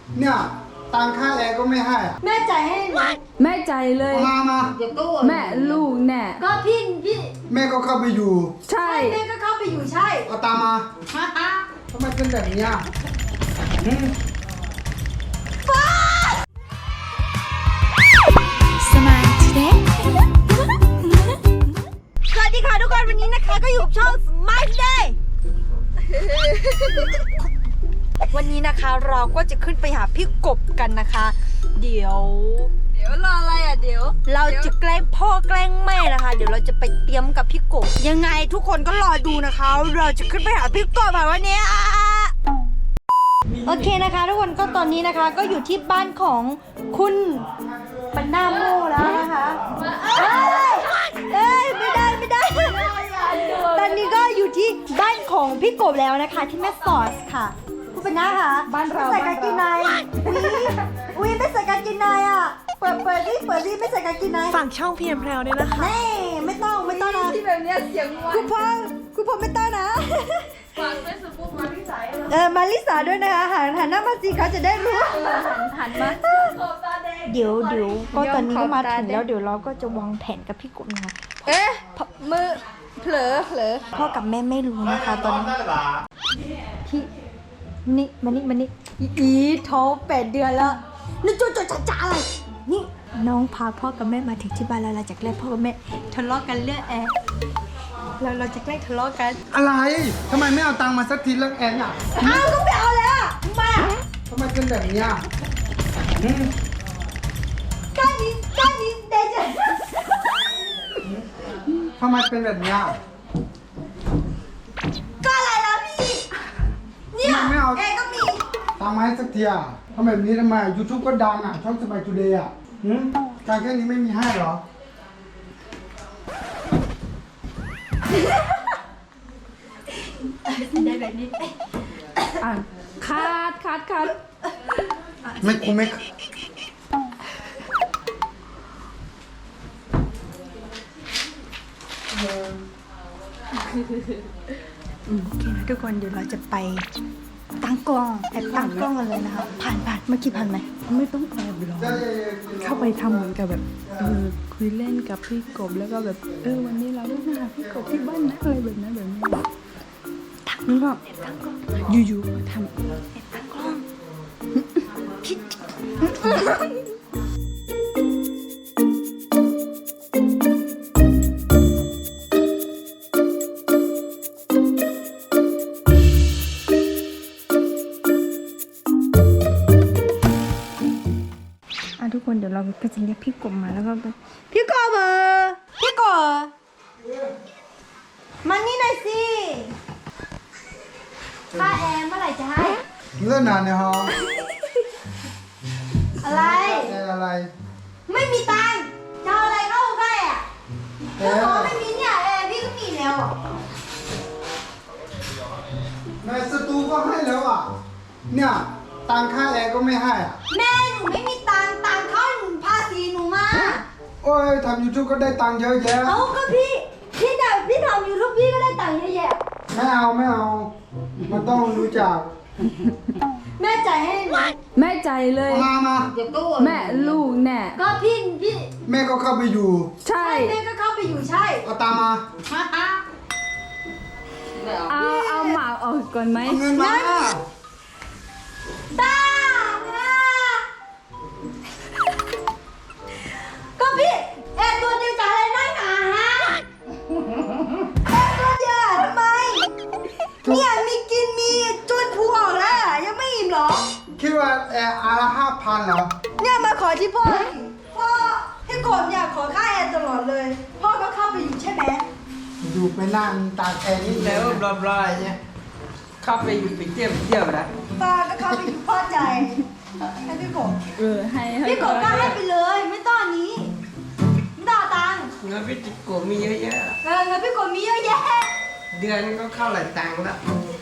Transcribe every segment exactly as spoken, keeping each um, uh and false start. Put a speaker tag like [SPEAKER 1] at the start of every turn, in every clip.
[SPEAKER 1] เนี่ยตังค่าแอร์ก็ไม่ให้อะ
[SPEAKER 2] แม่จ่ายให้ไหม
[SPEAKER 3] แม่ใจเลย
[SPEAKER 1] มามา
[SPEAKER 2] เดี๋ยวตู้
[SPEAKER 3] แม่ลูกแน่
[SPEAKER 2] ก็พี่พี่
[SPEAKER 1] แม่ก็เข้าไปอยู่
[SPEAKER 3] ใช่
[SPEAKER 2] แม่ก็เข้าไปอยู่ใช่
[SPEAKER 1] เอาตามมาทำไมเป็นแบบนี้อ่ะหืม
[SPEAKER 2] สวัสดีค่ะทุกคนวันนี้นะคะก็อยู่กับช่อง Smart Day วันนี้นะคะเราก็จะขึ้นไปหาพี่กบกันนะคะ เดี๋ยว
[SPEAKER 3] เดี๋ยวรออะไรอ่ะเดี๋ยว
[SPEAKER 2] เราจะแกล้งพ่อแกล้งแม่นะคะ เดี๋ยวเราจะไปเตรียมกับพี่กบยังไงทุกคนก็รอดูนะคะ เราจะขึ้นไปหาพี่กบค่ะวันนี้โอเคนะคะทุกคนก็ตอนนี้นะคะ ก็อยู่ที่บ้านของคุณปันนาโมแล้วนะคะเอ้ยเอ้ยไม่ได้ไม่ได้ตอนนี้ก็อยู่ที่บ้านของพี่กบแล้วนะคะ ที่แม่สอดค่ะคุณปันนาค่ะ
[SPEAKER 3] บ้านเรา
[SPEAKER 2] ไม่ใส่กางเกงในอุ้ยอุ้ยไม่ใส่กางเกงในอ่ะเปิดเปิดดิเปิดดิไม่ใส่กางเกงใน
[SPEAKER 4] ฝากช่องเพียงแพรวด้วยนะคะ
[SPEAKER 2] แน่ไม่ต้องไม่ต้องนะ
[SPEAKER 3] ที่แบบเนี้ยเสียงวั
[SPEAKER 2] คุณพ่อคุณพ่อไม่ต้องนะ
[SPEAKER 3] ฝากเฟซบุ๊กมาที่สาย
[SPEAKER 2] เออมาลิสาด้วยนะคะหันหันหน้ามาสิเขาจะได้รู้
[SPEAKER 3] หันหันมา
[SPEAKER 2] เดี๋ยวเดี๋ยวก็ตอนนี้ก็มาถึงแล้วเดี๋ยวเราก็จะวางแผนกับพี่กุ๊กนะคะ
[SPEAKER 3] เอ๊ะมือเผลอเผลอ
[SPEAKER 2] พ่อกับแม่ไม่รู้นะคะตอนนี้พี่นี่มานี่มานี่อีอีท้องแปดเดือนแล้วนี่จุ๊จุ๊จ๋าจ๋าอะไรนี่น้องพาพ่อกับแม่มาถึงที่บ้านแล้วเราจะแกล้งพ่อกับแม่ทะเลาะกันเรื่องแอร์เราเราจะแกล้งทะเลาะกัน
[SPEAKER 1] อะไรทำไมไม่เอาตังค์มาสักทีเรื่องแอร์อ่ะ
[SPEAKER 2] อ้าวก็ไม่เอาแล้วอะทำไมอะ
[SPEAKER 1] ทำไมเป็นแบบนี้อ่ะหืม
[SPEAKER 2] ก้านี้ก้านี้เดจ
[SPEAKER 1] ทำไมเป็นแบบนี้อ่ะ
[SPEAKER 2] ก็อะไรล่ะพี่เนี่ย
[SPEAKER 1] ทำไมไม่เอา
[SPEAKER 2] แอร์ก็มี
[SPEAKER 1] ตังค์มาให้สักทีอ่ะทำแบบนี้ทำไมยูทูบก็ดังอ่ะช่องสบายทูเดย์อ่ะหืมการแค่นี้ไม่มีให้เหรอ
[SPEAKER 2] ได้แบบนี้
[SPEAKER 3] อ่ะคัดคัดคัด
[SPEAKER 1] ไม่กูไม่
[SPEAKER 2] โอเคนะทุกคนเดี๋ยวเราจะไปตั้งกล้องแอบตั้งกล้องกันเลยนะคะผ่านผ่านเมื่อกี้ผ่านไหม
[SPEAKER 3] ไม่ต้องแอบหรอกเข้าไปทำเหมือนกับแบบเออคุยเล่นกับพี่กบแล้วก็แบบเออวันนี้เราต้องมาหาพี่กบที่บ้านนะอะไรแบบนั้นแบบนี้
[SPEAKER 2] ตั้ง
[SPEAKER 3] นี่ก็
[SPEAKER 2] แอบตั้งกล้อง
[SPEAKER 3] อยู่ๆมาท
[SPEAKER 2] แอบตั้งกล้องคิดอ่ะทุกคนเดี๋ยวเราก็จะเรียกพี่กบมาแล้วก็ไปพี่กบเออพี่กบมานี่หน่อยสิค่าแอร์เมื่อไหร่จะให้
[SPEAKER 1] เลื่อนนานเนี่ยฮะ
[SPEAKER 2] อะไร
[SPEAKER 1] แอร์อะไร
[SPEAKER 2] ไม่มีตังค์จะเอาอะไรเข้าใกล้อ่ะ
[SPEAKER 1] แอ
[SPEAKER 2] ถ้า
[SPEAKER 1] ร์
[SPEAKER 2] บอกไม่มีเนี่ยแอร์พี่ก็มีแล้วอ่ะ
[SPEAKER 1] ในสตูก็ให้แล้วอ่ะเนี่ยตังค่าแอร์ก็ไม่ให้อ่ะ
[SPEAKER 2] แม่หนูไม่มีตังค์ตังค์เข้าภาษีหนูมา
[SPEAKER 1] โอ้ยทำยูทูบก็ได้ตังค์เยอะแยะ
[SPEAKER 2] เอาก็พี่พี่น่ะพี่ทำยูทูบพี่ก็ได้ตังค์เยอะแยะ
[SPEAKER 1] ไม่เอาไม่เอา มันต้องรู้จัก
[SPEAKER 2] แม่จ่ายให้ไหม
[SPEAKER 3] ำแม่ใจเลย
[SPEAKER 1] มามา
[SPEAKER 2] เดี๋ยวตู้
[SPEAKER 3] แม่ลูกแน่
[SPEAKER 2] ก็พี่พี่
[SPEAKER 1] แม่ก็เข้าไปอยู่
[SPEAKER 3] ใช่
[SPEAKER 2] แม่ก็เข้าไปอยู่ใช่
[SPEAKER 1] เอาตามมา
[SPEAKER 3] เอาเอาหมากออกก่อนไหม
[SPEAKER 1] เอาเงินมา
[SPEAKER 2] ตาก็พี่แอร์ตัวเดียวจ่ายอะไรนักหนาฮะแอร์ตัวเดียวอะทำไมเนี่ยมีกินมีจนพูออกแล้วอะยังไม่อิ่มเหรอ
[SPEAKER 1] คิดว่าแอร์อาละห้าพันเหรอ
[SPEAKER 2] เนี่ยมาขอที่พ่อพ่อพี่กบเนี่ยขอค่าแอร์ตลอดเลย พ่อก็เข้าไปอยู่ใช่ไหม
[SPEAKER 1] อยู่ไปนั่งตากแอร์นี่
[SPEAKER 5] แล้วบลาบลาเนี่ยเข้าไปอยู่ไปเที่ยวเที่ยวนะ
[SPEAKER 2] ป้าก็เข้าไปอยู่พ่อใจให้พี่กบ
[SPEAKER 3] เออให้ให้
[SPEAKER 2] พี่กบก็ให้ไปเลย ไม่ต้องอันนี้ไม่ต้องเอาตังค์
[SPEAKER 5] เงินพิจิโกมีเยอะแยะ
[SPEAKER 2] เออเงินพี่กบมีเยอะแยะ
[SPEAKER 5] เดือนก็เข้าหลายตังค์ละ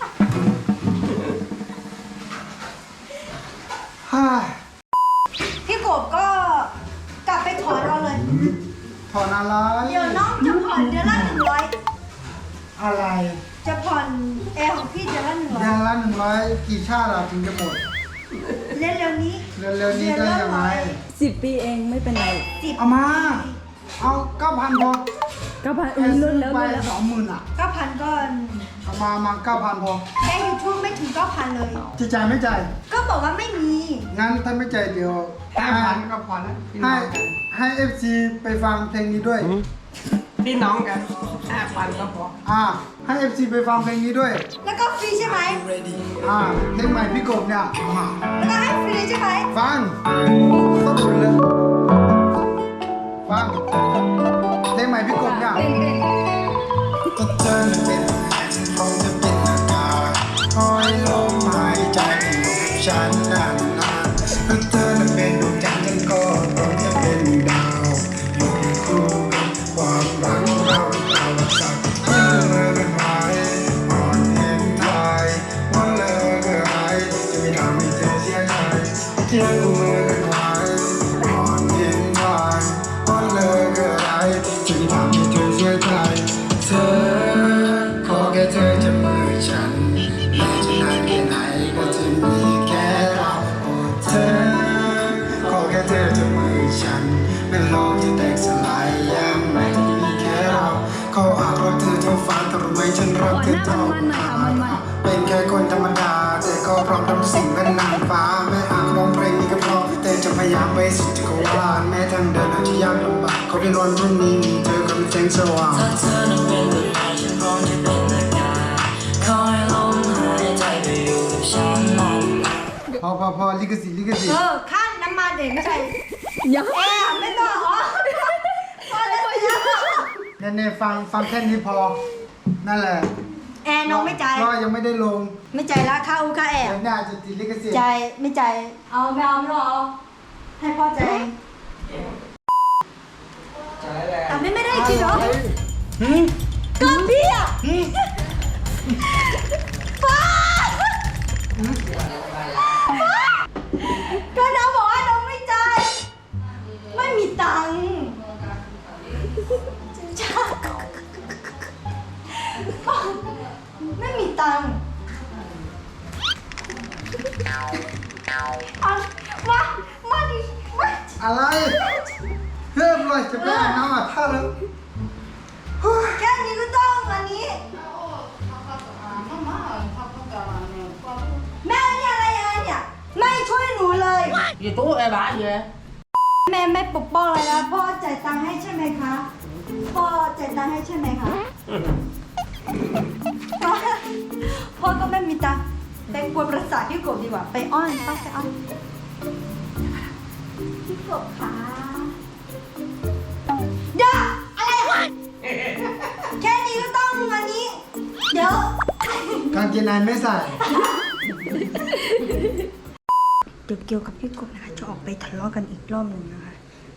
[SPEAKER 1] ฮ่า
[SPEAKER 2] พี่กบก็กลับไปถอนเอาเลย
[SPEAKER 1] ถอนอะไร
[SPEAKER 2] เดี๋ยวน้องจะผ่อนเดือนละหนึ่งร้อย
[SPEAKER 1] อะไร
[SPEAKER 2] จะผ่อนแอร์ของพี่เดือนละหนึ่งร้อ
[SPEAKER 1] เดื
[SPEAKER 2] ย
[SPEAKER 1] อนละหนึ่งร้อยกี่ชาติอะถึงจะหมด
[SPEAKER 2] เร็วๆนี้
[SPEAKER 1] เร็วๆนี้ได้ยังไง
[SPEAKER 3] สิบปีเองไม่เป็นไร
[SPEAKER 2] สิบ
[SPEAKER 1] เอามา เอาเก้าพันพอ
[SPEAKER 3] ก็พันอุ้ยลดแล้ว
[SPEAKER 1] ไป
[SPEAKER 3] ลดแล้ว
[SPEAKER 1] สองหมื่นอ่ะ
[SPEAKER 2] เก้าพันก็
[SPEAKER 1] เอามามาเก้าพันพอ
[SPEAKER 2] แค่ยูทูบไม่ถึงเก้าพันเลย
[SPEAKER 1] จะจ่ายไม่จ่าย
[SPEAKER 2] ก็บอกว่าไม่มี
[SPEAKER 1] งั้นถ้าไม่จ่ายเดี๋ยว
[SPEAKER 5] ห้าพันก็พอแล้วพี่น้
[SPEAKER 1] ให้
[SPEAKER 5] องกัน
[SPEAKER 1] ให้เอฟซีไปฟังเพลงนี้ด้วย
[SPEAKER 5] พี่น้องกันห้าพันก็พอ
[SPEAKER 1] อ่า ให้เอฟซีไปฟังเพลงนี้ด้วย
[SPEAKER 2] แล้วก็ฟรีใช่ไหม
[SPEAKER 1] อ่า เพลงใหม่พี่กบเนี่ยอ่า
[SPEAKER 2] แล้วก็ให้ฟรีใช่ไหม
[SPEAKER 1] ฟังต้องดูเลย ฟัง เพลงใหม่พี่กบเนี่ย
[SPEAKER 3] เต้นเต้น
[SPEAKER 1] ก็เธอเป็นคงจะเป็นอากาศคอยลมหายใจอยู่กับฉันนานๆก็เธอเป็นดวงจันทร์ฉันก็คงจะเป็นดาวอยู่คู่กันความรักเราเราสักที่เมื่อกันหายอ่อนเห็นทายว่าเลิกหายจะไม่ทำให้เธอเสียใจเที่ยวเมื่อกันหายอ่อนเห็นทายว่าเลิกหายจะไม่ทำให้เธอเสียใจ เธอขอแค่เธอจะมือฉันแม้จะนานแค่ไหนก็จะมีแค่เราโอ้เธอขอแค่เธอจะมือฉันแม้โลกจะแตกสลายยังไงจะมีแค่เราเขาอาจรักเธอเท่าฟ้าแต่รู้ไหมฉันรักเธอเท่าฟ้าเป็นแค่คนธรรมดาแต่ก็พร้อมทำสิ่งเป็นนางฟ้าแม้หากร้องเพลงนี้ก็เพราะแต่จะพยายามไปสุดจักรวาลแม้ทางเดินอาจจะยากลำบากขอเพียงวันพรุ่งนี้มีเธอกับแสงสว่าง
[SPEAKER 4] ถ้าเธอนั้นเป็นดวงใจฉันพร้อมจะเป็นอากาศคอยลมหายใจไปอยู่กับฉันนาน
[SPEAKER 1] พอพอพอลิขสิทธิ์ลิขสิท
[SPEAKER 2] เอ
[SPEAKER 1] ธิ์
[SPEAKER 2] อค่าน้ำมันเด็กไม่ใช่
[SPEAKER 3] ยัง
[SPEAKER 2] แอร์ไม่ต้องอ๋อพอแล้วพอแล้ว
[SPEAKER 1] เนี่ยเนี่ยฟังฟังแค่นี้พอ นั่นแหละ
[SPEAKER 2] แอร์น้องไม่จ่าย
[SPEAKER 1] ก็ยังไม่ได้ลง
[SPEAKER 2] ไม่จ่ายละค่าอูค่าแอร์
[SPEAKER 1] เดี๋ยวน่าจะติดลิขสิทธิ์
[SPEAKER 2] จ่ายไม่จ่ายเอาไม่เอาไม่ต้องเอาให้พ่อจ่าย
[SPEAKER 5] ใช่แล้ว
[SPEAKER 2] แต่ไม่ไม่ได้จริงเหรอ
[SPEAKER 1] หืม
[SPEAKER 2] ก็พี่อ่ะ
[SPEAKER 1] หืม
[SPEAKER 2] ป้าก็น้องบอกว่าน้องไม่จ่ายไม่มีตังค์จ้าไม่มีตังค์เอามามาดิมา
[SPEAKER 1] อะไรเพิ่มเลยจะไปอาบน้ำอ่ะถ้าแล้ว
[SPEAKER 2] แค่นี้ก็ต้องอันนี้ แม่เนี่ยอะไรยังไงเนี่ยไม่ช่วยหนูเลย
[SPEAKER 5] อยู่ตู้ไอ้บ้าอยู่เลย
[SPEAKER 2] แม่ไม่ปกป้องเลยนะพ่อจ่ายตังค์ให้ใช่ไหมคะพ่อจ่ายตังค์ให้ใช่ไหมคะพ่อก็ไม่มีตังค์ไปกวนประสาทพี่กบดีกว่าไปอ้อนต้องไปอ้อนพี่กบคะเดี๋ยวอะไรวะแค่นี้ก็ต้องอันนี้ เดี๋ยว
[SPEAKER 1] กางเกงในไม่ใส่
[SPEAKER 2] เดี๋ยวเกี่ยวกับพี่กบนะคะจะออกไปทะเลาะกันอีกรอบหนึ่งนะคะ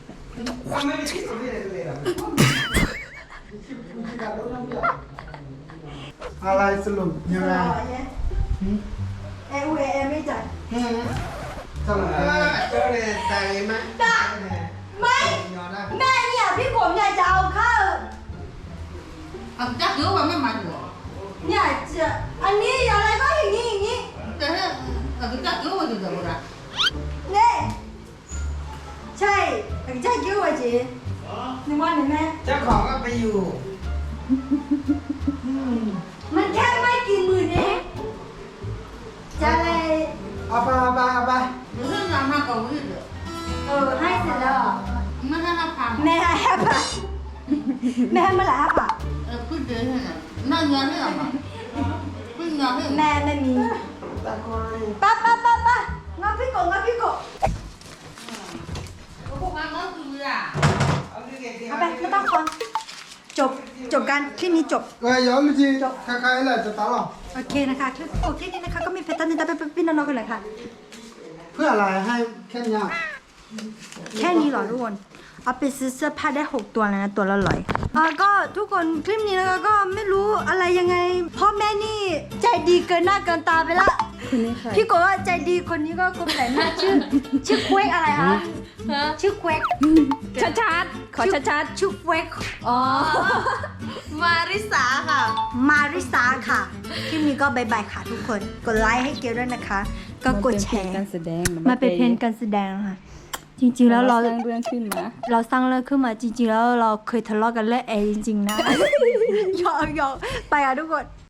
[SPEAKER 1] อะไรสรุปยังไงหืม
[SPEAKER 2] เอเอเอไม่จ่าย
[SPEAKER 1] หืมสรุปยังไง
[SPEAKER 5] เจอเลยใจไหม
[SPEAKER 2] ได้ไม่ แม่เนี่ยพี่กบเนี่ยจะเอาข้าว
[SPEAKER 6] 啊，家给我没买过，
[SPEAKER 2] เนี่ยจะอันนี้อะไรก็อย่างนี้อย่างนี้
[SPEAKER 6] 但是那个家给我就怎么着？
[SPEAKER 2] เนี่ยใช่แต่จะเกี่ยวกับจีหนึ่งวันหนึ่งแม่
[SPEAKER 5] เจ้าของก็ไปอยู่
[SPEAKER 2] มันแค่ไม่กี่หมื่นเองจะอะไร
[SPEAKER 1] เอาไปเอาไปเอาไป
[SPEAKER 6] 不是让他搞位置，
[SPEAKER 2] เออให้เสร็จแล้วเหรอ
[SPEAKER 6] 没让他爬，
[SPEAKER 2] แม่ให้ห้าบาทแม่ให้เมื่อไหร่ห้าบาท
[SPEAKER 6] 呃，不值钱了，那年这样吧，不年这
[SPEAKER 2] แม่ไม่มีป้าป้าป้าป้างั้นพี่กบงั้นพี่กบ
[SPEAKER 6] 我不管我是不是啊？
[SPEAKER 2] เอาไปไม่ต้องฟังจบจบกันคลิปนี้จบ
[SPEAKER 1] เอ้ยย้อนไปทีใครๆแหละจะตาหรอ
[SPEAKER 2] โอเคนะคะคลิปโอเคนี้นะคะก็มีเพจตันนิตาไปพี่น้องๆกันเลยค่ะ
[SPEAKER 1] เพื่ออะไรให้แค่เนี้ย
[SPEAKER 2] แค่นี้เหรอทุกคน เอาไปซื้อเสื้อผ้าได้หกตัวแล้วนะตัวละร้อยอ่าก็ทุกคนคลิปนี้นะคะก็ไม่รู้อะไรยังไงพ่อแม่นี่ใจดีเกินหน้าเกินตาไปละ
[SPEAKER 3] คนนี้ค่ะ
[SPEAKER 2] พี่โกว่าใจดีคนนี้ก็กลมแต่หน้าชื่อ ชื่อเควกอะไรคะชื่อเควก
[SPEAKER 3] ชัดชัดๆขอชัดชัด
[SPEAKER 2] ชื่อเควก
[SPEAKER 3] ๆอ๋อ
[SPEAKER 2] มาริสาค่ะ มาริสาค่ะ คลิปนี้ก็บายบายค่ะทุกคน กดไลค์ให้เกลด้วยนะคะก็กดแชร์
[SPEAKER 3] มันเป็นเพลงการแสดง
[SPEAKER 2] มันเป็นเพลงการแสดงค่ะ จริงๆแล้วเรา
[SPEAKER 3] สร้างเรื่องขึ้นมา
[SPEAKER 2] เราสร้างเรื่องขึ้นมาจริงๆแล้วเราเคยทะเลาะกันเรื่องแอร์จริงๆนะ หยอกหยอกไปอ่ะทุกคน